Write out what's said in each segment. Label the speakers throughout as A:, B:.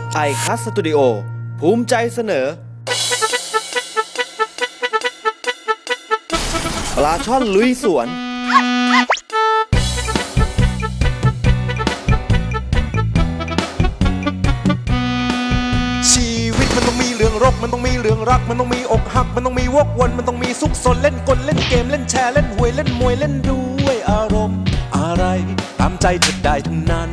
A: ไอคัสสตูดิโอภูมิใจเสนอปลาช่อนลุยสวน
B: ชีวิตมันต้องมีเรื่องรบมันต้องมีเรื่องรักมันต้องมีอกหักมันต้องมีวกวนมันต้องมีซุกซนเล่นกลเล่นเกมเล่นแชร์เล่นหวยเล่นมวยเล่นด้วยอารมณ์อะไรตามใจเธอได้ทั้งนั้น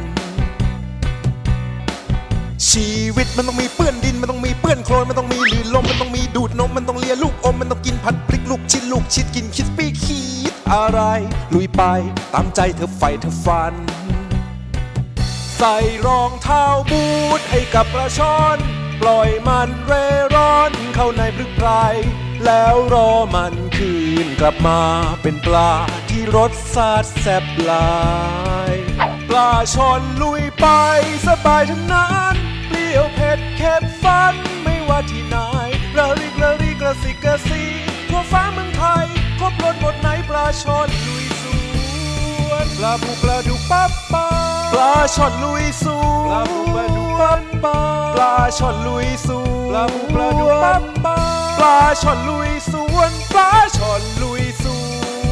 B: ชีวิตมันต้องมีเปื้อนดินมันต้องมีเปื้อนโคลนมันต้องมีลื่นลมมันต้องมีดูดนมมันต้องเลียลูกอมมันต้องกินผัดพริกลูกชิดกินคิดปี้คิดอะไรลุยไปตามใจเธอไฟเธอฟันใส่รองเท้าบูทให้กับปลาช่อนปล่อยมันเร่ร่อนเข้าในพรึกไพรแล้วรอมันคืนกลับมาเป็นปลาที่รสชาติแซ่บหลายปลาช่อนลุยไปสบายทั้งนั้นเปรี้ยวเผ็ดเค็มฟันไม่ว่าที่ไหนระริกกระสิกกระซีทั่วฟ้าเมืองไทยครบรสหมดไหนปลาช่อนลุยสวนปลาบูปลาดุกปั๊บปั๊บปลาช่อนลุยสวนปลาบูปลาดุกปั๊บปั๊บปลาช่อนลุยสวนปลาบูปลาดุกปั๊บปั๊บปลาช่อนลุยสวนปลาช่อนลุยสวน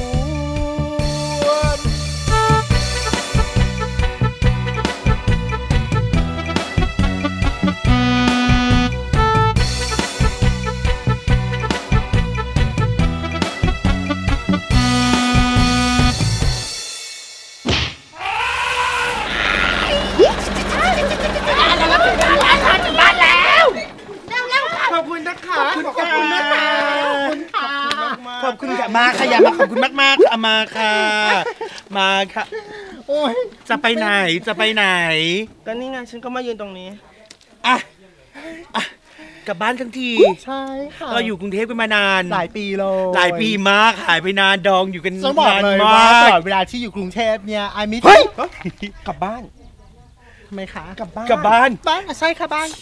C: ขอบคุณค่ะมาค่ะอย่ามาขอบคุณมากๆมาค่ะมาค่ะโอ้ยจะไปไหน
D: ก็นี่ไงฉันก็มายืนตรงนี้
C: อ่ะกลับบ้านทั้งที
D: ใช่ค่ะ
C: เราอยู่กรุงเทพกันมานาน
D: หลายปีเลย
C: หลายปีมากหายไปนานดองอยู่กัน
D: นานมากตลอดเวลาที่อยู่กรุงเทพเนี่ยไอมิสกลับบ้านทำไมคะกลับบ้านใช่ค่ะบ้าน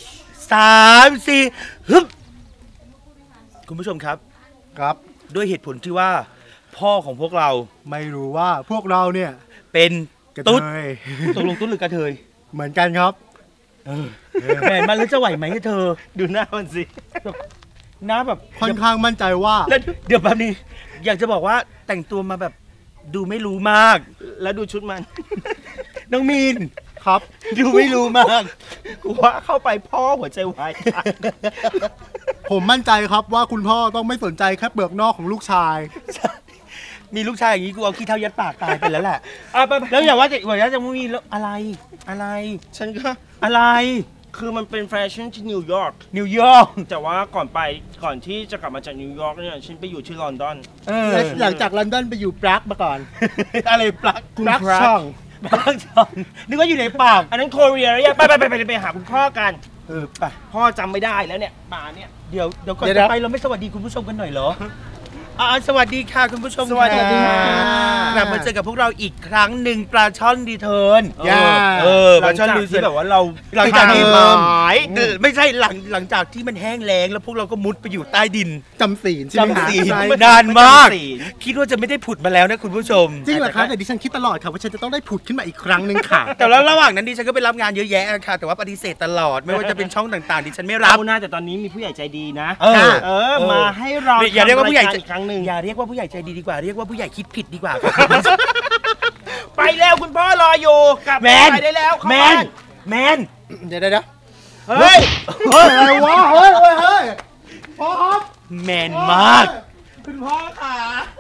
C: 3 4ฮึบคุณผู้ชมครับด้วยเหตุผลที่ว่าพ่อของพวกเรา
D: ไม่รู้ว่าพวกเราเนี่ย
C: เป็นตุ๊ดตกลงตุ๊ดหรือกระเทย
D: เหมือนกันครับ
C: แหมมันแล้วจะไหวไหมเธอ
D: ดูหน้ามันสิ
C: หน้าแบบ
D: ค่อนข้างมั่นใจว่า
C: เดี๋ยวแบบนี้อยากจะบอกว่าแต่งตัวมาแบบดูไม่รู้มาก
D: แล้วดูชุดมัน
C: น้องมีน
D: ครับ
C: ดูไม่รู้มาก
D: กูว่าเข้าไปพ่อหัวใจวายผมมั่นใจครับว่าคุณพ่อต้องไม่สนใจแค่เปลือกนอกของลูกชาย
C: มีลูกชายอย่างนี้กูเอาขี้เท้ายัดปากตายไปแล้วแหละแล้วอย่าว่าจะไม่มีอะไร
D: ฉันก็
C: อะไร
D: คือมันเป็นแฟชั่นที่นิวยอร์กแต่ว่าก่อนที่จะกลับมาจากนิวยอร์กเนี่ยฉันไปอยู่ที่ลอนดอนหลังจากลอนดอนไปอยู่ปรากมาก่อน
C: อะไรปราก
D: ช่อง
C: นึกว่าอยู่ในปาก
D: อันนั้นโคเรียแล้วไปหาคุณพ่อกันไปพ่อจำไม่ได้แล้วเนี่ยมาเนี่ย
C: เดี๋ยวก่อนจะไปเราไม่สวัสดีคุณผู้ชมกันหน่อยเหรอสวัสดีค่ะคุณผู้ชม
D: สวัสดีค่ะ
C: กลับมาเจอกับพวกเราอีกครั้งหนึ่งปลาช่อนรีเทิร์น
D: ปลาช่อนรีเทิร์นแบบว่าเรา
C: หลังจากที่ไม่ใช่หลังจากที่มันแห้งแล้งแล้วพวกเราก็มุดไปอยู่ใต้ดิน
D: จำศีล
C: นานมากคิดว่าจะไม่ได้ผุดมาแล้วนะคุณผู้ชม
D: จริงเหรอคะแต่ดิฉันคิดตลอดค่ะว่าฉันจะต้องได้ผุดขึ้นมาอีกครั้งหนึ่งค่ะ
C: แต่แล้วระหว่างนั้นดิฉันก็ไปรับงานเยอะแยะค่ะแต่ว่าปฏิเสธตลอดไม่ว่าจะเป็นช่องต่างๆดิฉันไม่รับ
D: นะแต่ตอนนี้มีผู้ใหญ่ใจดีนะมาให้เรา
C: อย่าเรียกว่าผู้ใหญ่อีกครั้งนึงอย่าเรียกว่าผู้ใหญ่ใจดีกว่าเรียกว่าผู้ใหญ่คิดผิดดีกว่า
D: ไปแล้วคุณพ่อรออยู่กลับไปได้แล้ว
C: แมน
D: เดี๋ยวเฮ้ยอะไรวะเฮ้ยพ่อครับ
C: แมนมาก
D: คุณพ่อค่ะ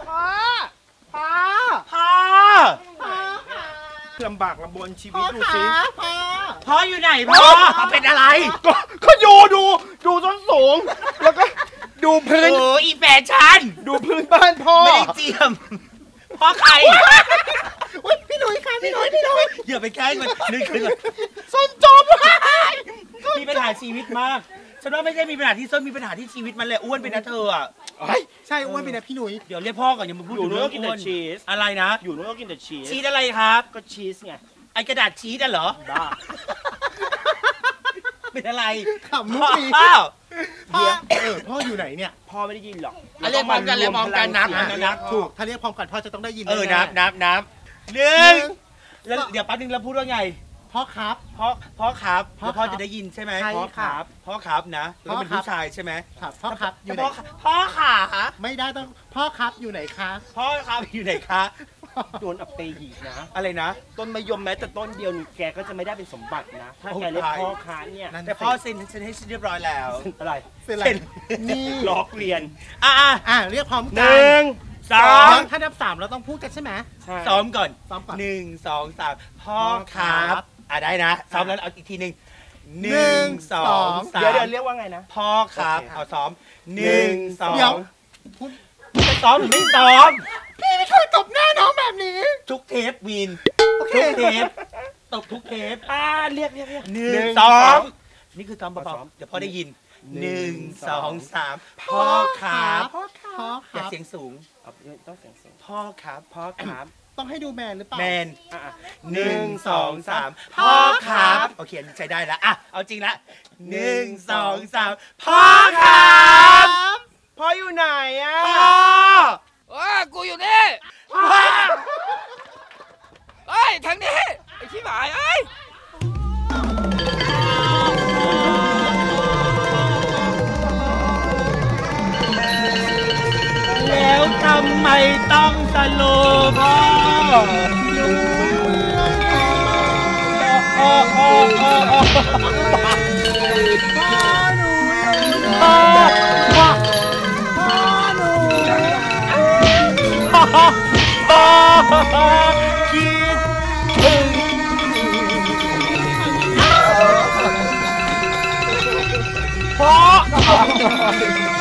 D: พ่อลำบากลำบนชีวิตดูสิ
C: พ่ออยู่ไหนพ่อเป็นอะไร
D: ก็ดูต้นสูงแล้วก็ดูพื้น
C: อีแฟชั่น
D: ดูพื้นบ้านพ่อ
C: ไม่ได้เจียมพ่อใคร
D: พี่หนุ่ยค่ะพี่หนุ่ย
C: อย่าไปใกล้มันนึกขึ้น
D: ส้นจม
C: มีปัญหาชีวิตมากฉันว่าไม่ใช่มีปัญหาที่ส้นมีปัญหาที่ชีวิตมันแหละอ้วนเป็นนะเธออ่ะ
D: ใช่อ้วนเป็นนะพี่หนุ่ย
C: เดี๋ยวเรียกพ่อก่อนอย่ามาพูด
D: อยู่นู้นก็กินแต่ชีส
C: อะไรนะ
D: อยู่นู้นก็กินแต่ชี
C: สอะไรครับ
D: ก็ชีสไง
C: ไอกระดาษชีสอ่ะเหรอ
D: บ้า
C: เป็นอะไร
D: ขำมุกนี้พ่ออยู่ไหนเนี่ยพ่อไม่ได้ยินหรอก
C: เรียกพร้อมกันนับ
D: ถูกถ้าเรียกพร้อมกันพ่อจะต้องได้ยิน
C: นับ1แล้วเดี๋ยวแป๊บนึงเราพูดว่าไง
D: พ่อครับ
C: พ่อครับ
D: พ่อ
C: แล้วพ่อ
D: ครับ
C: จะได้ยินใช่ไหม
D: ใช่
C: พ่อค
D: ค่ะ
C: รับพ่อครับนะแล้วเป็น
D: พ่อครับ
C: ผู้ชายใช่ไหม
D: ครับพ่อครับอยู่ไหน
C: พ่อขา
D: ไม่ได้ต้องพ่อครับอยู่ไหนคะ
C: พ่อครับอยู่ไหนคะ
D: โดนอับเปหีกนะ
C: อะไรนะ
D: ต้นมะยมแม้แต่ต้นเดียวนี่แกก็จะไม่ได้เป็นสมบัตินะ ถ้าแกเรียกพ่อค้าเนี่ย
C: แต่พ่อเซ็นฉันให้เรียบร้อยแล้ว
D: อะไร
C: เซ็น
D: นี่
C: ล้อเรียนอ่ะ
D: เรียกพร้อม
C: ห
D: กั
C: นึ่งสอง
D: ถ้านับ3เราต้องพูดกันใช่ไหม
C: ซ้อมก่อน
D: ซ้อมก่อน
C: หนึ่งสองสามพ่อครั
D: พ่อครับ บ
C: ได้นะซ้อมแล้วเอาอีกทีหนึ่งหนึ่งสองสาม
D: เดี๋ยวเรียกว่าไงนะ
C: พ่อครับ
D: โอเค
C: เอาซ้อมหนึ่งสอ
D: เดี๋ยว
C: งจะซ้อมหรือไม่ซ้อม
D: พี่ไม่เคยตบหน้าน้องแบบนี้
C: ทุกเทปวีน
D: โอเค
C: ทุกเทปตบทุกเทป
D: เรียก
C: หนึ่
D: หนึ่
C: ง
D: ง
C: สอ
D: สอง ง
C: นี่คือซ้อมเบาๆเดี๋ยวพ่อได้ยิน
D: ห
C: ห
D: นึ่
C: นึ่ง
D: ง
C: สองสาม
D: พ่อครับ พ่อค
C: อย่า
D: รับ
C: เสียงสูง
D: ต้องเสียงสูง
C: พ่อครับ
D: พ่อครับ ต้องให้ดูแมนหรือเปล่า
C: แมน
D: อ่ะ
C: หนึ่งสองสาม
D: พ่
C: พ่อ
D: อ
C: ค
D: ครั
C: รับ
D: บ
C: โอเคอันนี้ใช้ได้ละอ่ะเอาจริงละหนึ่งสองสามพ่อครับ
D: พ่ออยู่ไหนอ่ะ
C: พ่อ
E: กูอยู่นี่เฮ้ย ทางนี้ ไอ้ขี้หมายเอ้ย
C: แล้วทำไมต้องสโลว์พ่อคิดถึงพ่อ